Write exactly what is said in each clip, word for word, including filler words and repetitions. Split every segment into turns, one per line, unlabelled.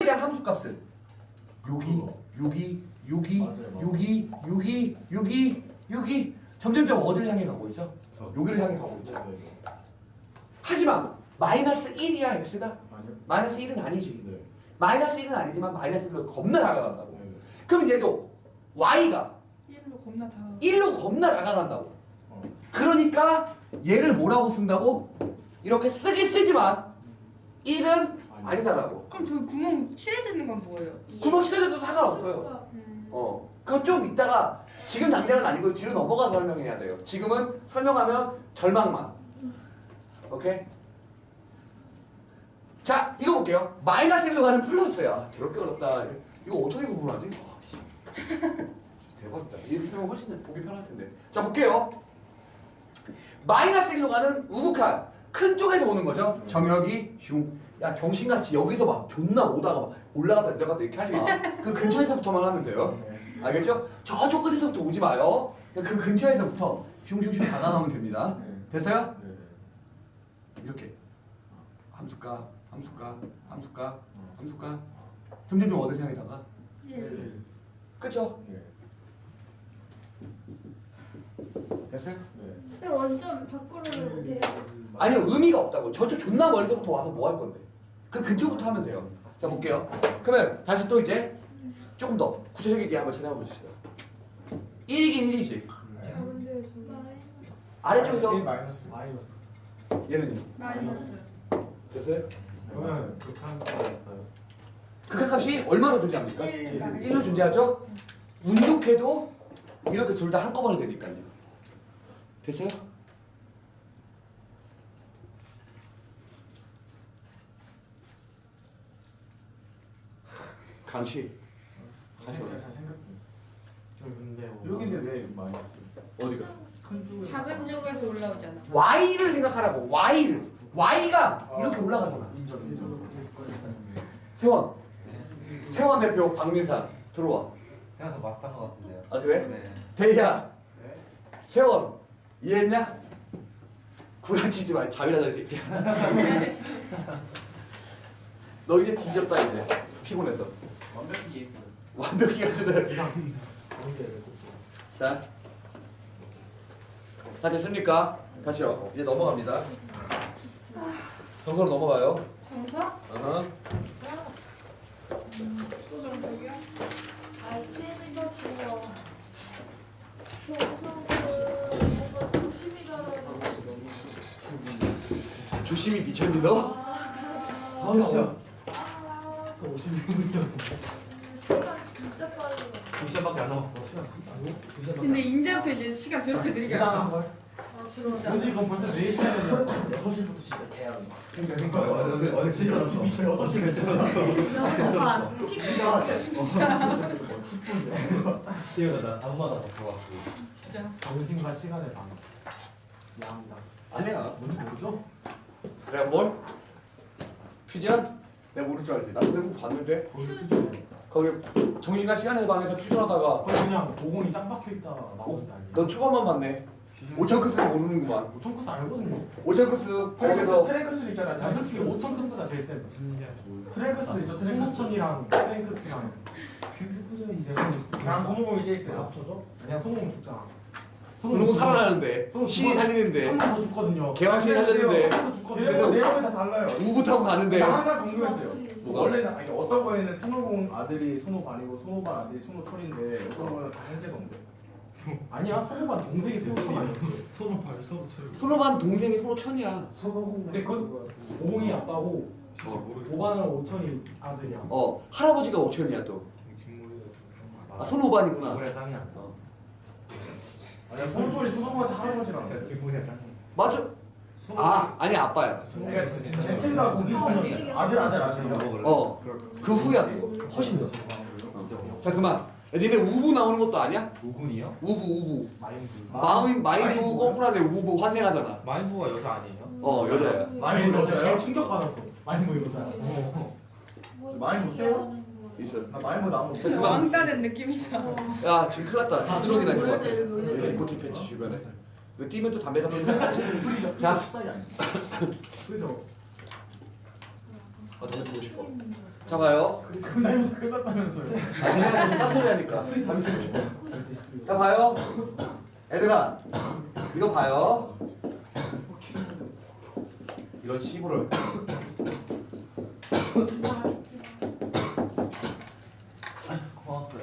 대한 함수값은 여기, 여기, 여기, 여기, 여기, 여기, 여기 점점점 어디를 향해 가고 있죠? 여기를 향해 가고 있죠. 하지만 마이너스 일이야 x가? 마이너스 일은 아니지. 마이너스 일은 아니지만 마이너스 일로 겁나 다가간다고. 그럼 얘도 y가
일로 겁나 다.
일로 겁나 다가간다고. 그러니까 얘를 뭐라고 쓴다고? 이렇게 쓰긴 쓰지만 일은 아니다라고.
그럼 저기 구멍 칠해져 있는 건 뭐예요?
구멍 칠해져도 상관없어요.
음.
어, 그건 좀 이따가 지금 당장은 아니고 뒤로 넘어가서 설명해야 돼요. 지금은 설명하면 절망만. 오케이? 자, 이거 볼게요. 마이너스 일로 가는 플러스야. 더럽게 어렵다. 이거 어떻게 구분하지? 와, 씨. 대박이다. 이렇게 쓰면 훨씬 보기 편할 텐데. 자, 볼게요. 마이너스 일로 가는 우극한 큰 쪽에서 오는 거죠. 정혁이 슝. 야, 병신같이 여기서 막 존나 오다가 막 올라갔다 내려갔다 이렇게 하지 마. 그 근처에서부터만 하면 돼요. 알겠죠? 저쪽 끝에서부터 오지 마요. 그 근처에서부터 슝슝슝 다가가면 됩니다. 됐어요? 이렇게 함수가, 함수가, 함수가, 함수가 점점점 어딜 향해 다가?
일.
그쵸? 됐어요?
근데 완전 밖으로는 돼요.
아니요, 의미가 없다고. 저쪽 존나 멀리서부터 와서 뭐 할 건데? 그 근처부터 하면 돼요. 자, 볼게요. 그러면 다시 또 이제 조금 더 구체적이게 한번 찾아봐 보시죠. 일이긴 일이지.
작은 데에서
아래쪽에서
일 마이너스 마이너스.
얘는
마이너스.
됐어요?
그러면 극한가 있어요.
극한값이 얼마나 존재합니까?
일 마이너스.
일로 존재하죠? 운 좋게도 이렇게 둘 다 한꺼번에 되니까요. 됐어요? 강씨 다시
잘
오세요.
생각해.
근데
여기인데 왜 마이너스?
어디가?
큰 쪽에.
작은 쪽에서 올라오잖아.
Y를 생각하라고. Y를. Y가 이렇게 올라가잖아.
인정 인정.
세원. 세원 대표 박민산 들어와.
생각해서 마스터한 것 같은데요.
아 그래?
네.
대희야. 세원 이해했냐? 구라치지 마. 잠이나 잘 새끼야. 너 이제 뒤졌다 이제. 피곤해서.
완벽히 이해했어.
완벽히 가지들. 자. 다 됐습니까? 다시요. 이제 넘어갑니다. 정서로 넘어가요.
정석?
어허.
또 정석이야?
아이템이 더 중요. 정성은 뭔가 조심히 가라고.
조심히 미쳤니 너?
서울시야.
오십 분. 시간 진짜 빠르네.
두 시간밖에 안 남았어. 시간 진짜 안
근데 이제부터 이제 시간 더럽게 느리게 한다.
아,
진짜.
솔직히 그건 벌써 네 시간이 되었어. 여섯 시부터 시작해야 돼. 그러니까 그러니까 어제 진짜 미쳐 여섯 시 괜찮았어.
여섯 반.
뛰어가 나 사 분마다 더 들어왔어.
진짜.
정신과 시간의 방. 양다.
아니야.
뭔지 모르죠?
그래 뭘? 퓨전? 내가 모를 줄 알지. 나 쓰고 봤는데
거기 퓨전.
거기 정신과 시간의 방에서 퓨전하다가
거기 그냥 오공이 짱 박혀 있다 나오는 게 아니에요.
넌 초반만 봤네. 오천 크스는 모르는구만.
오천 크스 알거든요.
오천 크스
트랭크스
거기서
트랭크스도 있잖아. 자 솔직히 오천 크스가 제일 센 거. 트랭크스도 있어. 트랭크스천이랑 트랭크스랑 퓨전이 제일. 그냥 손오공이 제일 세요. 합쳐져? 아니야 손오공 죽잖아.
그러고 살아나는데
손오공
신이
죽어-
살리는데
한 번 더 죽거든요.
개왕신이 살렸는데
한번 죽거든요.
그래서
내용이 다 달라요.
우부 타고 가는데
나 항상 궁금했어요.
뭐가?
원래는 아니 어떤 거에는 손오공 아들이 손오반이고 손오반 아들이 손오철인데 어떤 거는 다 형제가 온대. 아니야 손오반 동생이 손오철 아니었어.
손을 발 손을 쳐.
손오반 동생이 손오천이야.
근데 그 오공이 아빠고 오반은 오천이 아들이야.
어 할아버지가 오천이야 또. 아 손오반이구나.
친구야 짱이야.
어.
아니야 손오철이 손오반한테 할아버지랑.
친구야 짱.
맞아. 아 아니 아빠야.
그러니까 제트가 거기서 아들 아들 아들이야.
어. 그 후야 그거. 훨씬 더. 어. 자 그만. 야, 니네 우부 나오는 것도 아니야?
오군이요?
우부 우부.
마인드.
마인 마인부
마인부.
거꾸라데 우부 환생하잖아.
마인부가 여자 아니에요?
어 여자야.
마인드 여자야? 충격 받았어. 마인드 여자야. 많이 못 써요?
있어.
나 마인드 나무.
자, 그만.
왕따 된 느낌이다.
야 지금 큰일 났다. 두드러기 날 것 같아. 레코티 패치 주변에. 이거 뛰면 또 담배 같은 거 자.
자. 그죠?
아 담배 피고 싶어. 자 봐요.
끝나면서 끝났다면서요.
아 제가 좀 딴소리 하니까 잠시만 싶어. 자 봐요. 얘들아 이거 봐요. 이런 시부를
고마웠어요.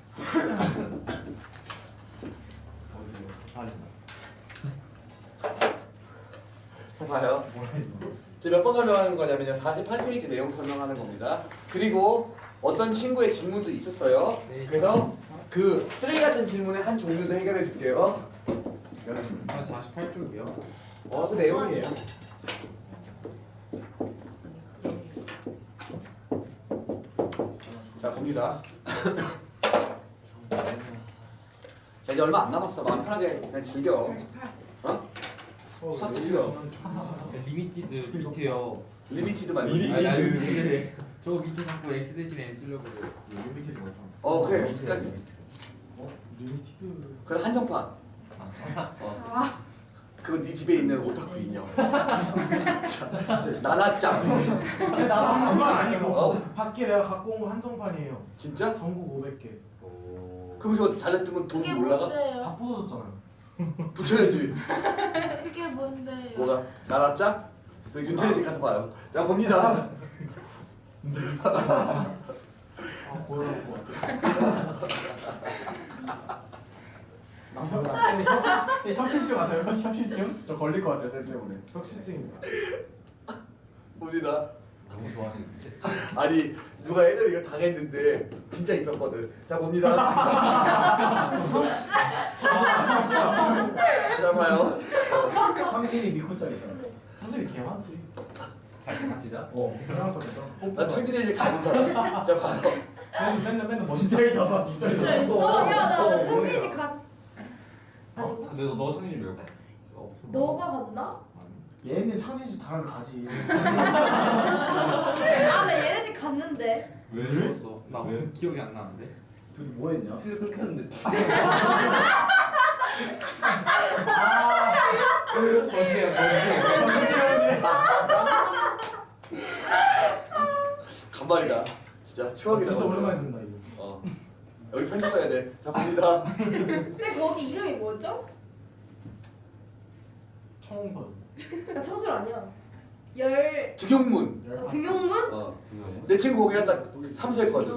자 봐요.
뭐라 이거.
지금 몇 번 설명하는 거냐면요. 사십팔 페이지 내용 설명하는 겁니다. 그리고 어떤 친구의 질문도 있었어요. 그래서 그 쓰레기 같은 질문의 한 종류도 해결해 줄게요.
아 사십팔 쪽이요?
어, 그 내용이에요. 자, 봅니다. 자, 이제 얼마 안 남았어. 마음 편하게 그냥 즐겨. 어? 수학 즐겨.
리미티드 밑에요.
리미티드 말고.
아니, 아니, 리미티드. 저거 밑에 자꾸 x 대신에 n 쓰려고 그래요.
리미티드 맞죠?
어, 그래. 습관이.
어? 리미티드.
그래, 한정판. 어. 그거 네 집에 있는 오타쿠 인형. 나나짱.
근데 나도 그건 아니고
어?
밖에 내가 갖고 온 거 한정판이에요.
진짜?
전국 오백 개.
그럼 저거 잘렸으면 돈
그게
올라가?
뭔데요?
다 부서졌잖아요.
붙여야지.
그게 뭔데요?
뭐가? 나나짱? 그 윤태리 집 가서 봐요. 자, 봅니다.
아 고혈압 것 같아. 네, 혁신증 아세요? 혁신증? 저 걸릴 것 같아요 쌤 때문에. 혁신증입니다.
봅니다.
너무 좋아하시는데.
아니 누가 예전에 이거 당했는데 진짜 있었거든. 자 봅니다. 자 봐요.
상진이 미쿠짜리 있잖아요. 상진이 개 많지.
잘 같이 자?
어. 괜찮을 것 같아.
나 창진이 집 가는 사람. 자 봐요.
맨날 맨날 맨날 먼저 진짜 있다가 진짜
진짜
있어.
있어?
어, 야, 나
어,
성진이
뭐야.
갔.
아니,
근데 너, 너 성진 왜 가?
너가 갔나?
얘는 창진 집 다음에 가지.
아, 나 얘네 집 갔는데.
왜 죽었어? 나 기억이 안 나는데.
둘이 뭐 했냐?
필 끊겼는데. 언제야 언제?
간발이다. 진짜 추억이다.
진짜
완전.
오랜만에 듣는다 이거.
어. 여기 편지 써야 돼. 자 봅니다.
근데 거기 이름이 뭐였죠?
청설.
나 청솔 아니야. 열
등용문.
어, 등용문?
어. 내 친구 거기 갔다 삼수했거든.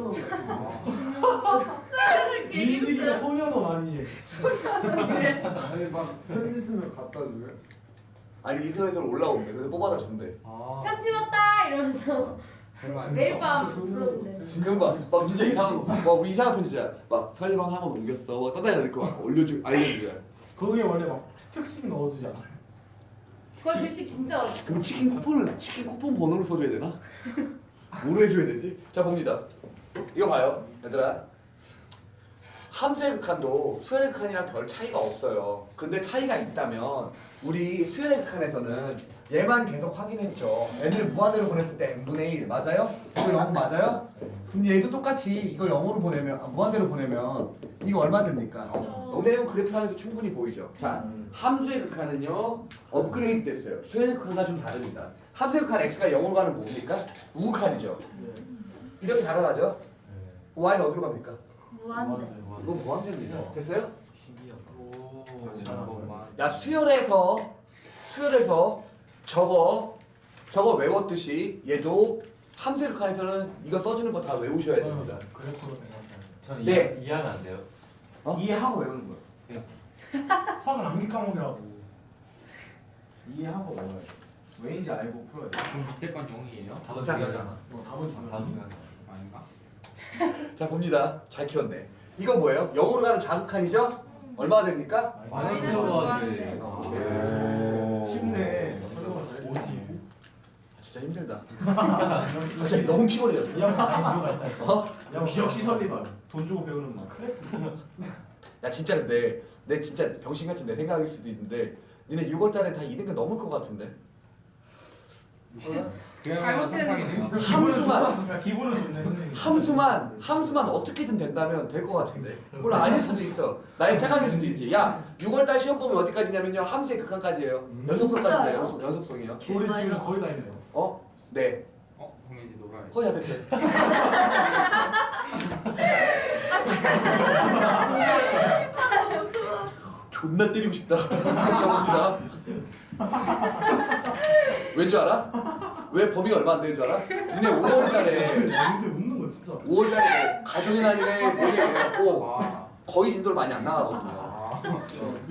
민식이가 소면허 많이 해.
아니 막 편지 쓰면 갖다 줘요?
아니 인터넷으로 올라온대. 그래서 뽑아다 준대.
아.
편지 왔다 이러면서 매일 밤
진짜?
불러준대.
그런 거, 막 진짜 이상한 거, 막 우리 이상한 편지야. 막 설리방 학원 옮겼어. 막 떠다니는 거 막 올려주, 알려주야.
거기에 원래 막 특식 넣어주지 않아?
거기 급식 진짜 많아.
그럼 치킨 쿠폰을 치킨 쿠폰 번호를 써줘야 되나? 뭐로 해줘야 되지? 자 봅니다. 이거 봐요, 얘들아. 함수의 극한도 수열의 극한이랑 별 차이가 없어요. 근데 차이가 있다면 우리 수열의 극한에서는 얘만 계속 확인했죠. n을 무한대로 보냈을 때 n분의 일 맞아요? 이거 영 맞아요? 그럼 얘도 똑같이 이거 영으로 보내면 아, 무한대로 보내면 이거 얼마 됩니까? 너네는 그래프상에서 충분히 보이죠. 자, 함수의 극한은요 업그레이드 됐어요. 수열의 극한과 좀 다릅니다. 함수의 극한 x가 영으로 가는 뭡니까? 우극한이죠. 이렇게 다가가죠. y는 어디로 갑니까?
무한대.
이거 무한대입니다. 됐어요?
오. 잠깐만.
야 수열에서 수열에서 저거 저거 외웠듯이 얘도 함수의 극한에서는 이거 써주는 거 다 외우셔야 됩니다.
그래프로 생각하면.
전
네.
이해, 이해하면 안 돼요?
어?
이해하고 외우는 거야. 수학은 암기 과목이라고. 이해하고 외워야 돼. 왜인지 알고 풀어야 돼.
그럼 밑에 건 영이에요? 답은
자.
중요하지 않아?
어, 답은 중요하지.
답은 중요하지 않아. 아닌가?
자 봅니다. 잘 키웠네. 이거 뭐예요? 영으로 가는 좌극한이죠? 얼마가 됩니까?
마이너스
마이너스
무한대.
오.
쉽네. 설명을 잘해.
오지.
아, 진짜 힘들다. 갑자기 너무 피곤해졌어.
이 양반 많이 이유가 있다.
어?
역시 역시 설리반. 돈 주고 배우는 거. 클래스.
야 진짜 근데 내 진짜 병신 같은 내 생각일 수도 있는데 니네 유월달에 다 이 등급 넘을 것 같은데.
그야말로
잘못된
상상이네요.
함수만
야, 기분은 좋네.
함수만 함수만 어떻게든 된다면 될 것 같은데. 물론 아닐 수도 있어. 나의 착각일 수도 있지. 야 유월달 시험 보면 어디까지냐면요 함수의 극한까지예요. 연속성까지예요. 연속, 연속성이요.
우리 지금 거의 다 있네요.
어? 네.
어? 공예지도. 돌아요.
허리 안 됐어요. 존나 때리고 싶다. 자 봅니다. 왠줄 알아? 왜 범위가 얼마 안 되는 줄 알아? 니네 오월달에
근데 웃는 거 진짜.
오월달에 뭐 가족의 날이네 뭐게 해갖고
아.
거의 진도를 많이 안 나가거든요.
아.
어.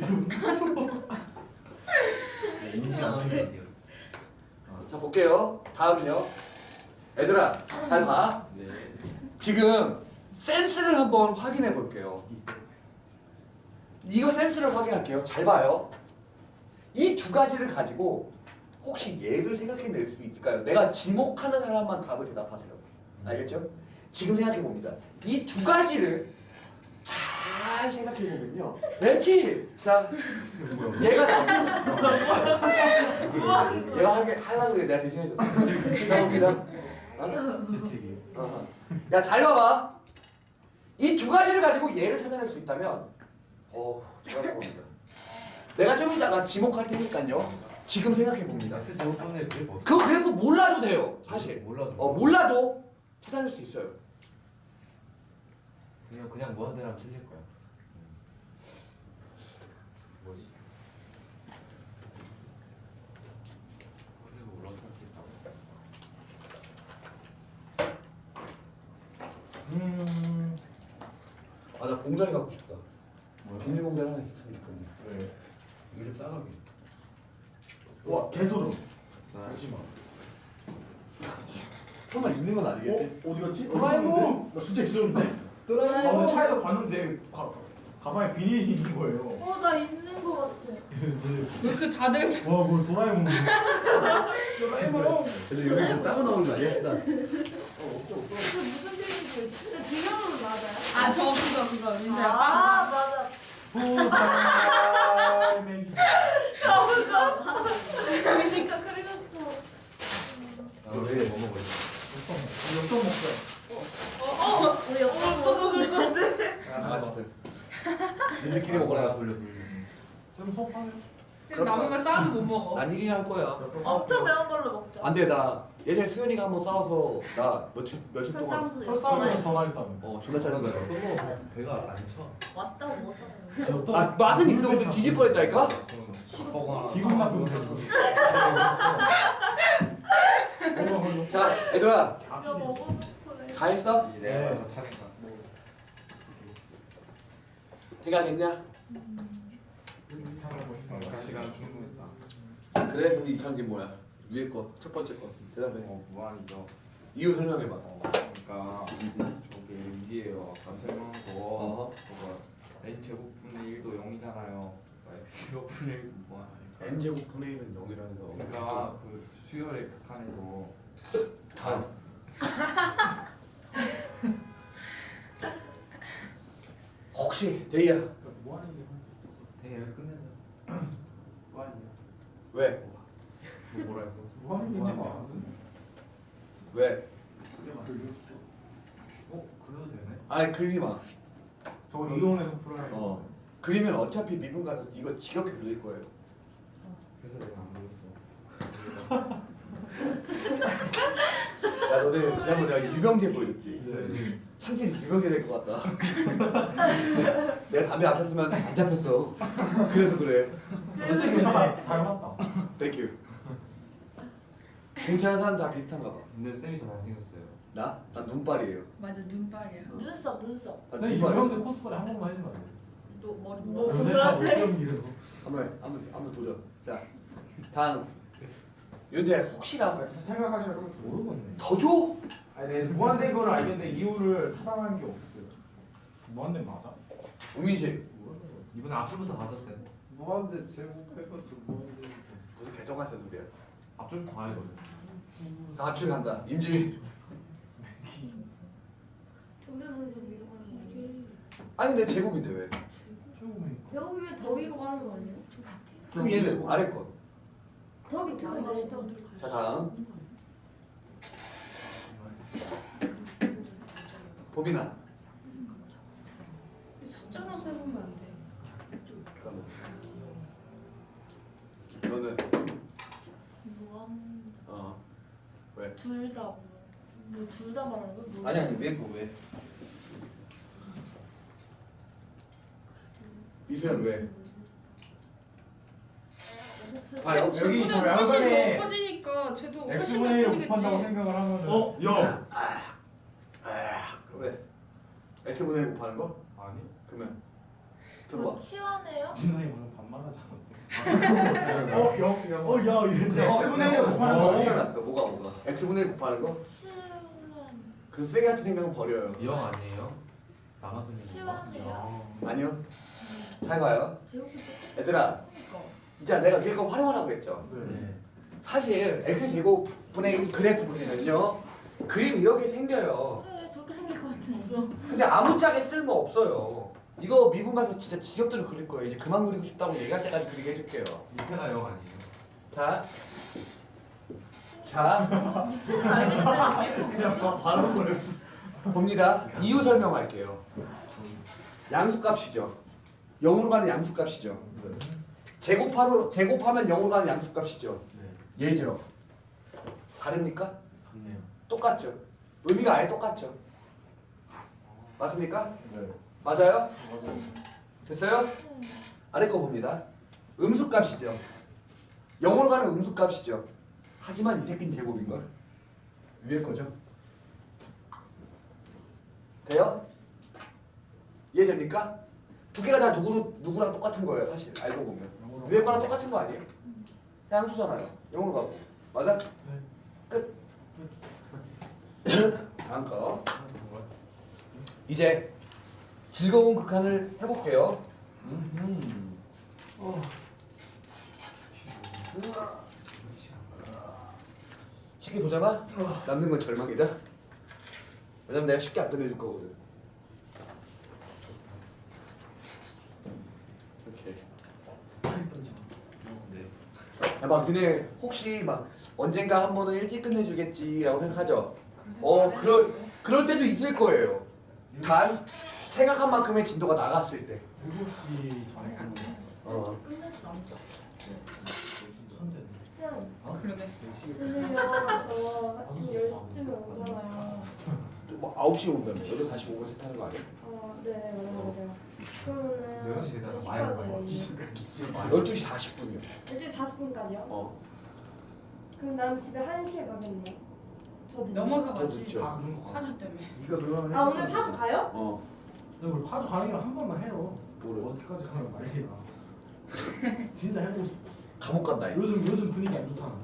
인식 안 하는 게 돼요.
자 볼게요. 다음은요. 얘들아 잘 봐.
네.
지금 센스를 한번 확인해 볼게요. 이거 센스를 확인할게요. 잘 봐요. 이 두 가지를 가지고 혹시 얘를 생각해낼 수 있을까요? 내가 지목하는 사람만 답을 대답하세요. 알겠죠? 지금 생각해 봅니다. 이 두 가지를 잘 생각해 보면요. 그렇지. 자, 얘가 나오고 얘가 하게 하려고 그래. 내가 대신해줬어. 나옵니다. 어?
제 책이에요.
어. 야, 잘 봐봐. 이 두 가지를 가지고 얘를 찾아낼 수 있다면, 어, 잘할 겁니다. 내가 좀 이따가 지목할 테니까요. 지금 생각해 봅니다.
X 제곱분의 그래프 어떻게
그 그래프 몰라도 돼요, 사실.
몰라도
어, 몰라도 찾아낼 수 있어요.
그냥 그냥 무한대랑 틀릴 거야. 뭐지? 그리고 올라갈 수 있다고.
음.
아, 나 봉다리 갖고 싶다. 비닐 봉다리 하나 있으면 좋겠네.
그래.
이거 좀 싸가게.
와 개소름.
나
하지마.
설마 있는 건 아니겠지?
어 어디 갔지? 도라에몽. 나 진짜 있었는데.
도라에몽.
아 오늘 차에서 봤는데 가 가방에 비닐이 있는 거예요.
어, 나 있는 거 같아.
왜 이렇게 다들
와뭐 도라에몽.
도라에몽.
근데 여기 뭐 따로 나오는 거 아니야? 나.
그 무슨 재미지? 근데 비명은 맞아요?
아, 저 그거 그거 민서
아,
아,
맞아.
도라에몽.
그러니까 그래갖고.
나왜 뭐 먹어?
역전 먹자.
우리 옆으로 먹을 건데.
아, 진짜. 니들끼리 먹어라.
돌려 돌려.
좀 속하네.
쌤 남은 거 싸워도 못 먹어.
난 이기긴 할 거야.
엄청 매운 걸로 먹자.
안 돼, 나 예전에 수현이가 한번 싸워서 나 며칠 며칠 동안
설상수.
설사하면서 전화했다며.
어 존나 짜증 나서.
또 먹어. 배가 안 쳐.
맛있다고 먹었잖아요.
또
아 맛은 있어 근데 뒤질 뻔했다니까.
기분 나쁘면 되고.
자 얘들아
야, 먹어놓고 그래.
다 했어?
내가 더 차니까.
생각했냐?
시간 충분했다.
그래 그럼 이천지 뭐야? 위에 거 첫 번째 거 대답해.
어 무한이죠.
이유 설명해봐.
어, 그러니까 저게 일이에요. 아까 설명한 거.
어허.
그거 n 제곱분의 일도 영이잖아요. 그러니까 x 제곱분의 일도 무한 아닐까.
n 제곱분의 일은 영이라는 거.
그러니까 그 수열의 극한에서
다음. 혹시 대희야
되게 여기서 끝내자. 무한이요.
왜?
뭐 뭐라 했어?
무한이지.
왜?
어 그래도 되네.
아니 그리지 마.
저거 이론에서 풀어야 돼.
어 그리면 어차피 미분 가서 이거 지겹게 그릴 거예요.
그래서 내가 안 그렸어.
야 너네 지난번에 내가 유병재 보여줬지?
네.
창진이 유병재 될 것 같다. 내가 담배 안 폈으면 안 잡혔어. 그래서 그래.
닮았다.
땡큐. 공차는 사람 다 비슷한가 봐.
근데 쌤이 더 잘생겼어요.
나? 난 눈발이에요.
맞아 눈발이야.
눈썹, 눈썹.
나
선생님
눈발이에요.
유명세 코스프레 한 번만 해주면 안 돼?
또 머리
뭐,
뭐.
요새
그러지?
다 못생기래서.
한번 한번 한번 도전. 자 다음. 윤태 혹시나
생각하시면 그럼
모르겠네.
더 줘?
아니 내 무한대 거를 알겠는데 이유를 타당한 게 없어요. 무한대 맞아?
우민씨
이번에 앞줄부터 가졌어요.
무한대 제곱해가지고 무한대
무슨 개정 같은 소리야?
앞줄 다 해거든.
자 합출 간다. 임지민.
정대문에서 위로 가는 거 아니에요?
아니 내 제곱인데 왜?
처음에
제곱이면 더 위로 가는 거 아니에요?
그럼 얘는 아래 거.
더 밑으로 가시죠.
자 다음. 보빈아.
숫자로 세보면 안 돼.
잠깐만. 너는
무한.
어 왜?
둘 다. 뭐둘 다 말하는 거야? 뭐?
아니 아니 위에 거 왜? 이수연 왜? 아 여기
여기 저
쟤보다 훨씬
양변에
더 커지니까 쟤도 훨씬 더
x분의 일
커지겠지.
곱한다고 생각을 하면
어? 야!
왜? x분의 일 곱하는 거?
아니
그러면 들어봐.
치환해요?
민선이 방금 반말하지 않았어? 어? 영? 영? 어? 야 이랬지 x분의 일 곱하는
뭐가
거
생각났어? 뭐가 뭐가? x분의 일 곱하는 거?
치환
그 세게 같은 생각은 버려요.
영 아니에요? 남아드는 거
치환해요?
아니요. 잘 봐요.
제곱이
얘들아, 진짜 내가 위에 거 활용하라고 했죠.
네
사실 x제곱분의 일 그래프 그리면요 그림 이렇게 생겨요.
그래 저렇게 생길 것 같았어.
근데 아무짝에 쓸모 없어요. 이거 미분 가서 진짜 지겹도록 그릴 거예요. 이제 그만 그리고 싶다고 얘기할 때까지 그리게 해줄게요.
밑에가 영 아니에요?
자, 자
밑에는 알겠는데
그냥 바- 바로 그래
봅니다. 이유 설명할게요. 양수값이죠. 영으로 가는 양수값이죠. 제곱하로 제곱하면 영으로 가는 양수값이죠.
네
얘죠. 다릅니까?
같네요
똑같죠. 의미가 아예 똑같죠. 맞습니까?
네.
맞아요? 됐어요? 아래 거 봅니다. 음수값이죠. 영어로 가는 음수값이죠. 하지만 이 새끼는 제곱인걸. 위에 거죠. 돼요? 이해됩니까? 두 개가 다 누구, 누구랑 똑같은 거예요 사실 알고 보면. 위에 거랑 똑같은 거 아니에요? 그냥 함수잖아요. 영어로 가고. 맞아? 끝. 다음 거. 이제 즐거운 극한을 해볼게요. 쉽게 보자마 남는 건 절망이다. 왜냐면 내가 쉽게 안 끝내줄 거거든. 이렇게.
네
막 너네 혹시 막 언젠가 한 번은 일찍 끝내주겠지라고 생각하죠. 어 그럴 그럴 때도 있을 거예요. 단 생각한 만큼의 진도가 나갔을 때.
일곱 시 전에
어.
일찍 끝내지 남자.
천재
쌤,
그러네.
선생님 저 열 시쯤에 오잖아요.
뭐 아홉 시에 온다며. 여덟 사십오 분에 타는 거 아니야?
아, 네 맞아요 맞아요. 그러면은
여섯 시 되잖아.
몇
많이
시까지?
열두 시 사십 분이요.
열두 시 사십 분까지요?
어.
그럼 난 집에 한 시에 가겠네. 더 늦네.
더
넘어가가지.
늦죠.
아 그런 거 같아
파주 때문에.
네가 그러면
아 오늘 파주 가요?
어.
근데 우리 파주 가는 길한 번만 해요
뭐래?
어디까지 가면 말이야 진짜 해보고 싶어
감옥 간다. 이거.
요즘 요즘 분위기 안 좋잖아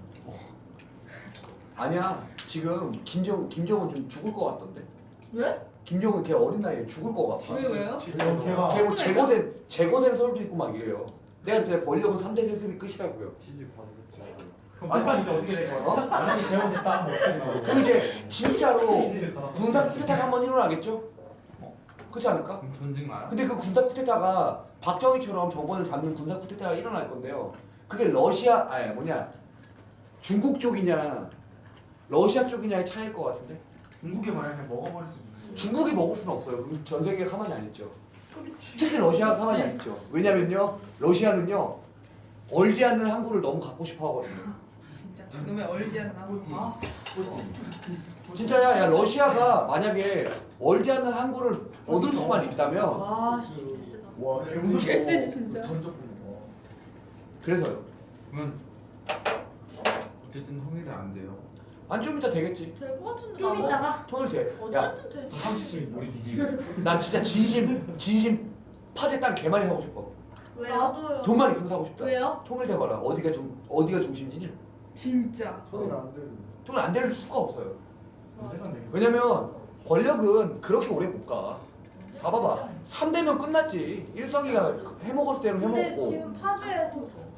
아니야. 지금 김정 김정은 좀 죽을 것 같던데.
왜?
김정은 걔 어린 나이에 죽을 것 같아.
왜 왜요?
그럼 걔가
걔 뭐 제거된 제거된 서울도 있고 막 이래요. 내가 그때 권력은 삼 대 세습이 끝이라고요.
취직 받으셨죠?
그럼 북한 이제 어떻게 될 거야?
어?
만약에 재혼됐다 하면 어떻게 되나
그럼 이제 진짜로
치즈를 갈아서
군사 쿠데타가 한번 일어나겠죠? 그렇지 않을까?
그럼 전쟁 나요?
근데 그 군사 쿠데타가 박정희처럼 정권을 잡는 군사 쿠데타가 일어날 건데요. 그게 러시아 아니 뭐냐 중국 쪽이냐 러시아 쪽이냐의 차이일 것 같은데.
중국에 만약에 그냥 먹어버릴 수 있는 거예요.
중국이 먹을 수는 없어요. 그럼 전 세계가 가만히 안 있죠. 특히 러시아가 가만히 안 있죠. 왜냐면요 러시아는요 얼지 않는 항구를 너무 갖고 싶어 하거든요.
진짜 저놈의 얼지 않나. 아,
진짜야. 야 러시아가 만약에 얼지 않는 항구를 얻을 수만 있다면
와 씨. 개쎄다.
와 개무섭다.
개쎄지 진짜.
전적분.
그래서요.
그러면 어쨌든 통일이 안 돼요
안 좀 이따 되겠지.
될 것 같은데. 좀 이따가.
통일 돼. 야,
어쨌든 돼.
삼십 분 머리 뒤지고
난 진짜 진심 진심 파대 땅 개 많이 사고 싶어.
왜요? 나도요.
돈만 있으면 사고 싶다.
왜요?
통일돼봐라. 어디가 중 어디가 중심지냐?
진짜.
소리가 안 들리네.
통일 안 될 수가 없어요.
언제간 되겠어?
왜냐면 권력은 그렇게 오래 못 가. 봐봐봐. 삼 대면 끝났지. 일성이가 해먹을 대로
근데
해먹고.
지금 파주에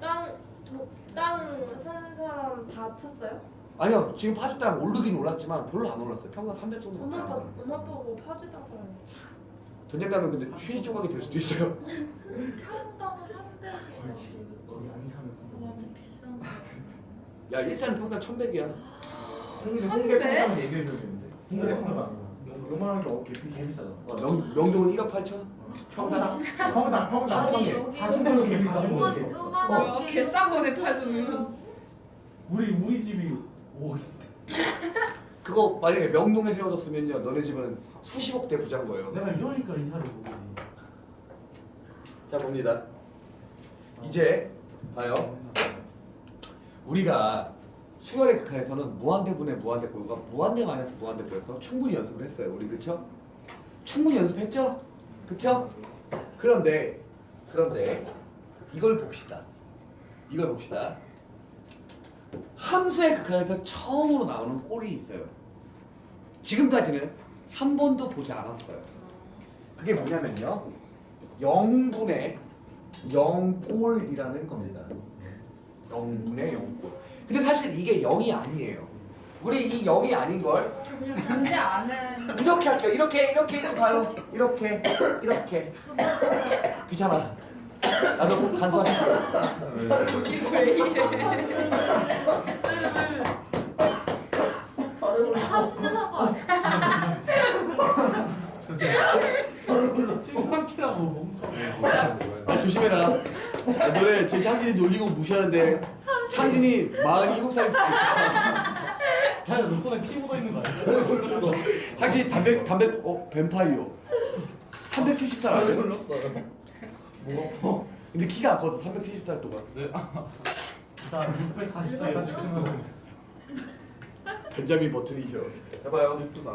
땅땅 사는 사람 다 쳤어요?
아니요. 지금 파주 땅 오르긴 올랐지만 별로 안 올랐어요. 평균 삼백 정도밖에
엄마
안
아빠
올랐어요.
엄마 아빠고 파주 땅 사람이.
전쟁 가면 근데 휴지 조각이 될 수도 있어요.
평당 삼백이지.
거기 안 사면 좀
완전 비싼 거.
야 일산 평당 천백이야.
홍대
천배?
홍대 평당 얘기해줘야 되는데 홍대 평당 아니야 요만한 게 어깨 개 비싸잖아
어, 명 명동은 일억 팔천. 평당.
평당 평당
한
여기,
평에.
여기
사십 대로 개 비싸
요만-
개 비싸
요만한
어,
게-
개싼 거네 파주는.
우리 우리 집이 오
그 그거 만약에 명동에 세워졌으면요 너네 집은 수십억 대 부자인 거예요.
내가 이러니까 이사를 못하지.
자 봅니다. 이제 봐요. 우리가 수열의 극한에서는 무한대분의 무한대꼴과 무한대 마이너스 무한대꼴에서 충분히 연습을 했어요. 우리 그쵸? 충분히 연습했죠? 그쵸? 그런데 그런데 이걸 봅시다. 이걸 봅시다. 함수의 극한에서 처음으로 나오는 꼴이 있어요. 지금까지는 한 번도 보지 않았어요. 그게 뭐냐면요. 영분의 영꼴이라는 겁니다. 영분의 영꼴. 근데 사실 이게 영이 아니에요. 우리 이 영이 아닌 걸
그냥 존재 안 해.
이렇게 할게요. 이렇게 이렇게 이렇게 봐요. 이렇게 이렇게 귀찮아. 나도 간소하시고.
이거 왜 이래?
삼십 년 한거
칠삼키라고 멈춰.
아, 조심해라. 아, 너네 제 창진이 놀리고 무시하는데 창진이 마흔일곱 살일 수도 있다.
자야 너 손에 피 묻어 있는 거 아니야?
창진이 담배 담배 어 뱀파이어. 삼백칠십 살 아니에요?
뭐?
근데 키가 안 커서 삼백칠십 살 동안
자 육백사십 살까지 크면
벤자민 버튼이셔. 해봐요.
슬프다.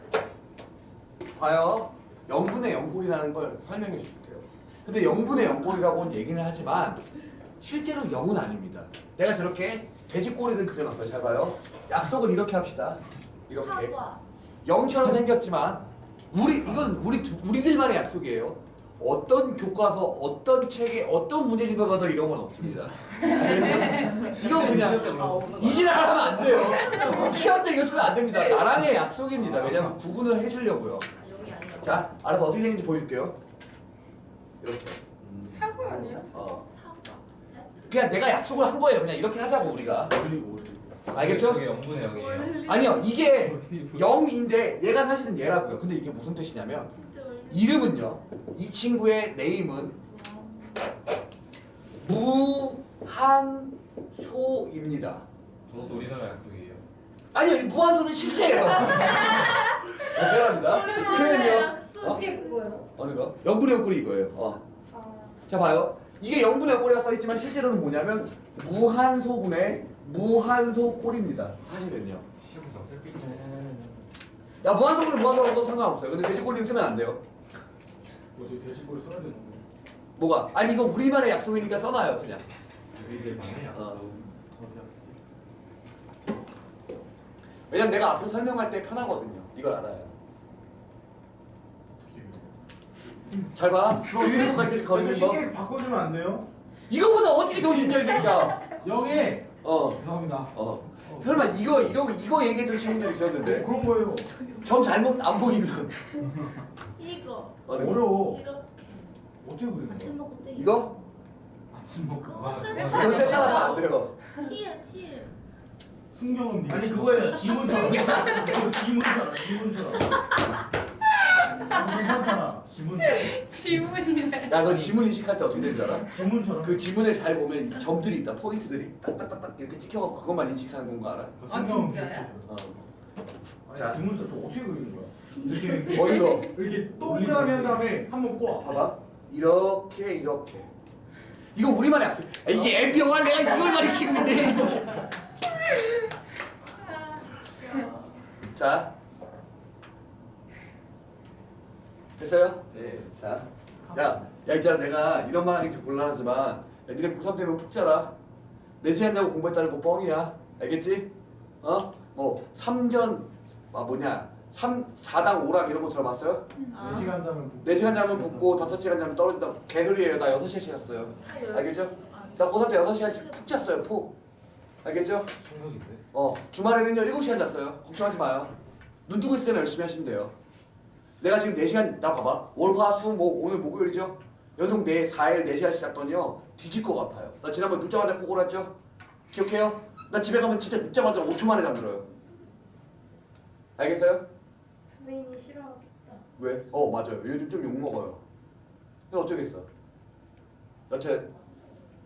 봐요. 영분의 영꼴이라는 걸 설명해 줄게요. 근데 영분의 영꼴이라고는 얘기는 하지만 실제로 영은 아닙니다. 내가 저렇게 돼지꼬리를 그려놨어요. 잘 봐요. 약속을 이렇게 합시다. 이렇게
사과.
영처럼 생겼지만 우리 이건 우리 두, 우리들만의 약속이에요. 어떤 교과서, 어떤 책에, 어떤 문제집에 가서 이런 건 없습니다. 알겠죠? 이건 그냥 이지랄 하면 안 돼요. 시험 때 이거 쓰면 안 됩니다. 나랑의 약속입니다. 왜냐면 구분을 해주려고요.
아, 여기 아니야.
자, 알아서 어떻게 생긴지 보여줄게요. 이렇게.
사고 아니야?
어.
사과.
그냥 내가 약속을 한 거예요. 그냥 이렇게 하자고 우리가.
올리고 올리고.
알겠죠?
이게 영분의 영이에요.
아니요, 이게 영인데 얘가 사실은 얘라고요. 근데 이게 무슨 뜻이냐면 이름은요. 이 친구의 네임은 무한소입니다.
저도 우리나라 약속이에요.
아니요, 이 무한소는 실체예요. 미안합니다. 표현이요. 어?
이게 그거예요.
어느 거? 영분의 영꼴이 이거예요. 어.
아.
자 봐요. 이게 영분의 영꼴이라 써있지만 실제로는 뭐냐면 무한소분의 무한소꼴입니다. 사실은요.
시험에서 쓸 삐.
야 무한소분의 무한소라고 써도 상관없어요. 근데 돼지꼬리는 쓰면 안 돼요.
뭐지 돼지꼬리 써야 되는 거.
뭐가? 아니 이거 우리만의 약속이니까 써놔요 그냥.
우리들만의 약속.
어. 왜냐면 내가 앞으로 설명할 때 편하거든요. 이걸 알아요. 잘 봐. 너 이런 거까지
이거
거리는 거.
쉽게 바꿔주면 안 돼요?
이거보다 어떻게 더 쉽냐 이 새끼야.
여기
어.
죄송합니다.
어. 설마 이거 이거 이거 얘기해줄 친구들 있었는데
그런 거예요.
점 잘못 안 보이면
이거.
어느 거?
어려워.
이렇게.
어떻게 그리는
아침
거야?
먹고 때.
이거?
아침 먹고
그거
가.
세트.
이거 세차라서 안 돼요.
티에 티에.
순경은 니.
아니 그거예요. 지문처럼. 그거 지문처럼. 지문처럼. 괜찮잖아. 지문처럼.
지문이래.
야 너 지문 인식할 때 어떻게 되는 줄 알아?
지문처럼.
그 지문을 잘 보면 이 점들이 있다. 포인트들이 딱딱딱딱 이렇게 찍혀갖고 그것만 인식하는 건 거 알아?
그
아,
순경은
진짜요?
니.
어.
아니
자.
지문처럼 저 어떻게 그리는 거야?
이렇게
어디로?
이렇게 동그라미 한 다음에 한 번 꽂아.
봐봐. 이렇게 이렇게. 이거 우리만의 약속. 아, 이게 엠비오가 내가 이걸 가리키고 있네. 자. 됐어요?
네.
자. 야, 야 있잖아 내가 이런 말 하기 좀 곤란하지만 야, 니네 고삼 되면 푹 자라. 네 시간 자고 공부했다는 거 뻥이야. 알겠지? 어? 뭐 삼전 아 뭐냐 삼 사당 오락 이런 거 들어봤어요?
아.
네 시간 자면 붓고.
네 시간 자면 붙고 다섯 시간 자면 떨어진다. 개소리예요. 나 여섯 시간씩 잤어요. 알겠죠? 나 고삼 때 여섯 시간씩 푹 잤어요. 푹. 알겠죠?
충격인데.
어 주말에는요 일곱 시간 잤어요. 걱정하지 마요. 눈 뜨고 있을 때는 열심히 하시면 돼요. 내가 지금 네 시간 나 봐봐. 월화수목 오늘 목요일이죠? 연속 네 사 일 네 시간씩 잤더니요 뒤질 것 같아요. 나 지난번 눕자마자 코 골았죠? 기억해요? 나 집에 가면 진짜 눕자마자 오 초 만에 잠들어요. 알겠어요?
부인이 싫어하겠다.
왜? 어 맞아요. 요즘 좀 욕먹어요. 근데 어쩌겠어. 여튼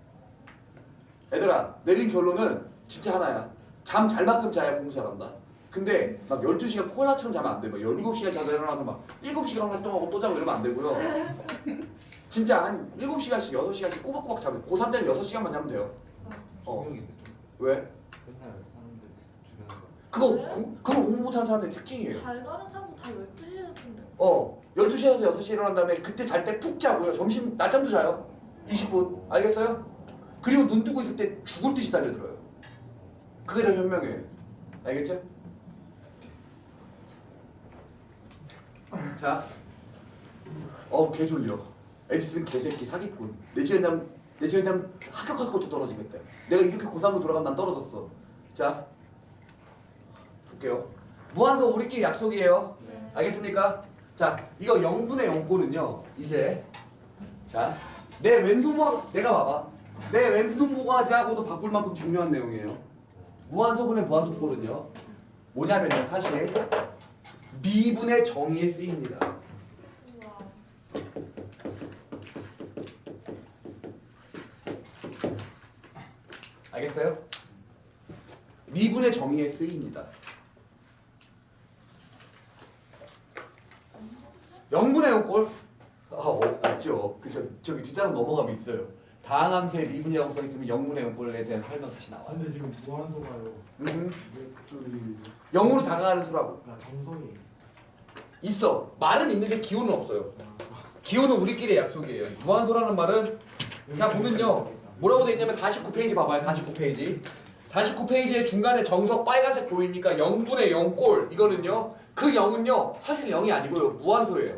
얘들아 내린 결론은 진짜 하나야. 잠 잘 만큼 자야 공부 잘한다. 근데 막 열두 시간 코로나처럼 자면 안 돼. 막 열일곱 시간 자다 일어나서 막 일곱 시간 활동하고 또 자고 이러면 안 되고요. 진짜 한 일곱 시간씩 여섯 시간씩 꼬박꼬박 자면 고삼 때는 여섯 시간만 자면 돼요. 어.
중력인데
왜?
맨날 사람들 주변에서
그거 고, 그거 공부 못하는 사람들의 특징이에요.
잘 가는 사람도 다 열두 시에 자던데.
어, 열두 시에서 여섯 시에 일어난 다음에 그때 잘 때 푹 자고요. 점심 낮잠도 자요. 이십 분. 알겠어요? 그리고 눈 뜨고 있을 때 죽을 듯이 달려들어요. 그게 더 현명해요. 알겠죠? 자. 어, 개 졸려. 에디슨 개새끼 사기꾼. 네 시간 잠, 네 시간 잠 합격할 것도 떨어지겠다. 내가 이렇게 고삼으로 돌아가면 난 떨어졌어. 자. 볼게요. 무한소 우리끼리 약속이에요.
네.
알겠습니까? 자, 이거 영분의 영꼴은요. 이제 자, 내 왼손모 내가 봐봐. 내 왼손모가지하고도 바꿀 만큼 중요한 내용이에요. 무한소분의 무한소꼴은요. 뭐냐면요, 사실 미분의 정의에 쓰입니다.
우와.
알겠어요? 미분의 정의에 쓰입니다. 영분의 영꼴? 아, 어, 없죠. 그, 저, 저기 뒷자로 넘어가면 있어요. 다항함수의 미분이라고 써있으면 영분의 영꼴에 대한 설명 다시 나와요.
근데 지금 무한소가요.
음,
맥주리.
영으로 다가가는 수라고.
그러니까 정성이.
있어. 말은 있는데 기호는 없어요. 기호는 우리끼리의 약속이에요. 무한소라는 말은 자 보면요. 뭐라고 돼 있냐면 사십구 페이지 봐봐요. 사십구 페이지. 사십구 페이지의 중간에 정석 빨간색 보입니까? 영분의 영꼴. 이거는요. 그 영은요. 사실 영이 아니고요. 무한소예요.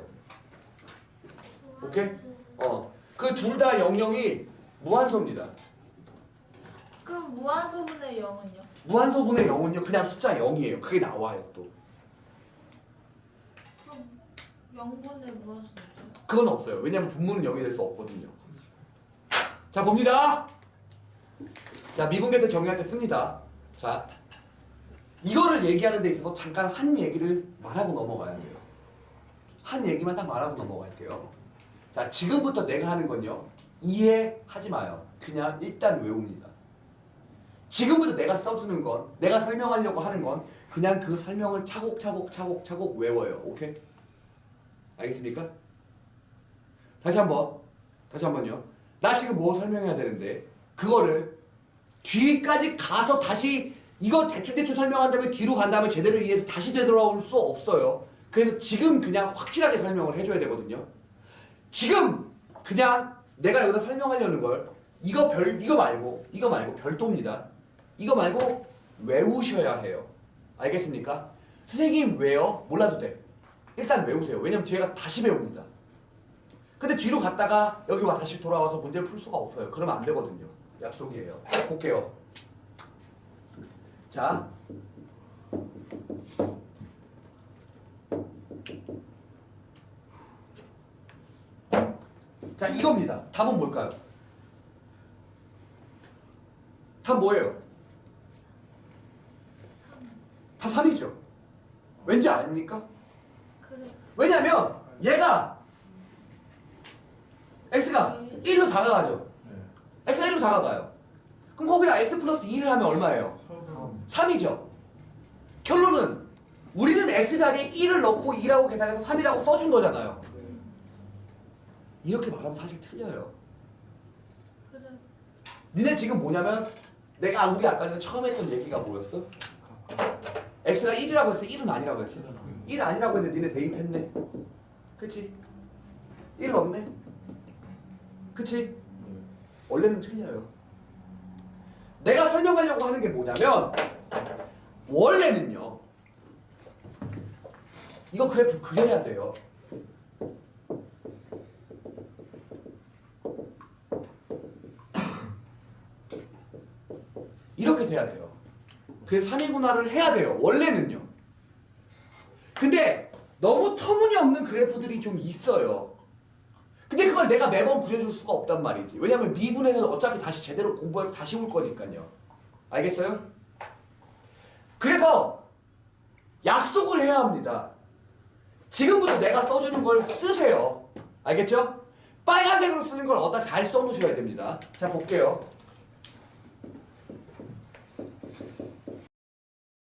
오케이? 어. 그 둘 다 영영이 무한소입니다.
그럼 무한소분의 영은요?
무한소분의 영은요. 그냥 숫자 영이에요. 그게 나와요 또.
그럼 영분의 무한소죠?
그건 없어요. 왜냐면 분모는 영이 될 수 없거든요. 자 봅니다. 자 미분계에서 정의할 때 씁니다. 자 이거를 얘기하는 데 있어서 잠깐 한 얘기를 말하고 넘어가야 돼요. 한 얘기만 딱 말하고 넘어갈게요. 자 지금부터 내가 하는 건요. 이해하지 마요. 그냥 일단 외웁니다. 지금부터 내가 써주는 건 내가 설명하려고 하는 건 그냥 그 설명을 차곡차곡 차곡차곡 외워요. 오케이? 알겠습니까? 다시 한번 다시 한번요. 나 지금 뭐 설명해야 되는데 그거를 뒤까지 가서 다시 이거 대충대충 설명한 다음에 뒤로 간 다음에 제대로 이해해서 다시 되돌아올 수 없어요. 그래서 지금 그냥 확실하게 설명을 해줘야 되거든요. 지금 그냥 내가 여기다 설명하려는 걸 이거 별 이거 말고 이거 말고 별도입니다. 이거 말고 외우셔야 해요. 알겠습니까? 선생님 왜요? 몰라도 돼. 일단 외우세요. 왜냐면 뒤에 가서 다시 배웁니다. 근데 뒤로 갔다가 여기 와 다시 돌아와서 문제를 풀 수가 없어요. 그러면 안 되거든요. 약속이에요. 자, 볼게요. 자. 자, 이겁니다. 답은 뭘까요? 답 뭐예요? 답 삼이죠. 왠지 아닙니까?
그래.
왜냐면 얘가 x가 일로 다가가죠.
네.
x가 일로 다가가요. 그럼 거기다 x 플러스 이를 하면 얼마예요? 삼이죠. 결론은 우리는 x 자리에 일을 넣고 이라고 계산해서 삼이라고 써준 거잖아요. 이렇게 말하면 사실 틀려요.
그래.
니네 지금 뭐냐면 내가 우리 아까 전에 처음 했던 얘기가 뭐였어? x가 일이라고 했어? 일은 아니라고 했어? 일 아니라고 했는데 니네 대입했네. 그치? 일 없네. 그치? 원래는 틀려요. 내가 설명하려고 하는 게 뭐냐면 원래는요. 이거 그래프 그려야 돼요. 이렇게 돼야 돼요. 그래서 삼 인분화를 해야 돼요. 원래는요. 근데 너무 터무니없는 그래프들이 좀 있어요. 근데 그걸 내가 매번 그려줄 수가 없단 말이지. 왜냐면 미분에서 어차피 다시 제대로 공부해서 다시 올 거니까요. 알겠어요? 그래서 약속을 해야 합니다. 지금부터 내가 써주는 걸 쓰세요. 알겠죠? 빨간색으로 쓰는 걸 어디다 잘 써놓으셔야 됩니다. 자 볼게요.